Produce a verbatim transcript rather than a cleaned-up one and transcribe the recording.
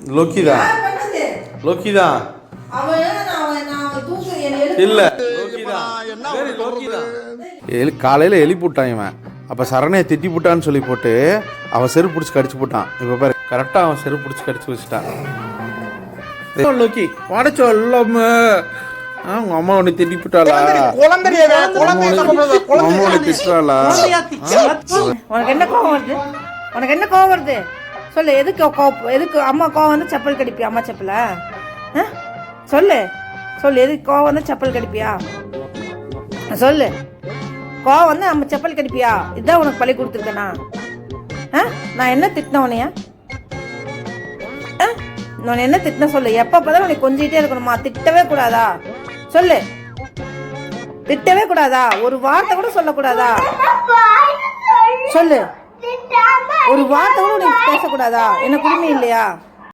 Loki தான் Loki தான் இல்ல எலி காலையில் எழுப்பி விட்டான் இவன். அப்போ சரணையை திட்டி போட்டான்னு சொல்லி போட்டு அவன் செருப்பு பிடிச்சி கடிச்சு போட்டான். இப்போ பாரு கரெக்டாக அவன் செருப்பு பிடிச்சி கடிச்சு வச்சுட்டான். லோக்கி வாடச்சோ இல்லாம உங்க அம்மா உன்னை திட்டி போட்டாளா? அம்மா திட்டுறாளா? உனக்கு என்ன கோவம் வருது? உனக்கு என்ன கோவம் வருது சொல்லு. எதுக்கு கோவம்? எதுக்கு அம்மா கோவம் வந்து செப்பல் கடிப்பியா? அம்மா செப்பல சொல்லு சொல்லு. எதுக்கு கோவம் வந்து செப்பல் கடிப்பியா சொல்லு. கோவம் வந்து நம்ம செப்பல் கடிப்பியா? இதுதான் உனக்கு பழி கொடுத்துருக்கேனா? நான் என்ன திட்டின உனைய? நான் என்ன திட்டின சொல்லு. எப்ப பார்த்தாலும் உனக்கு கொஞ்சிட்டே இருக்கணுமா? திட்டவே கூடாதா சொல்லு. திட்டவே கூடாதா? ஒரு வார்த்தை கூட சொல்லக்கூடாதா சொல்லு. ஒரு வார்த்தை கூட உனக்கு பேசக்கூடாதா? என்ன குடுமை இல்லையா?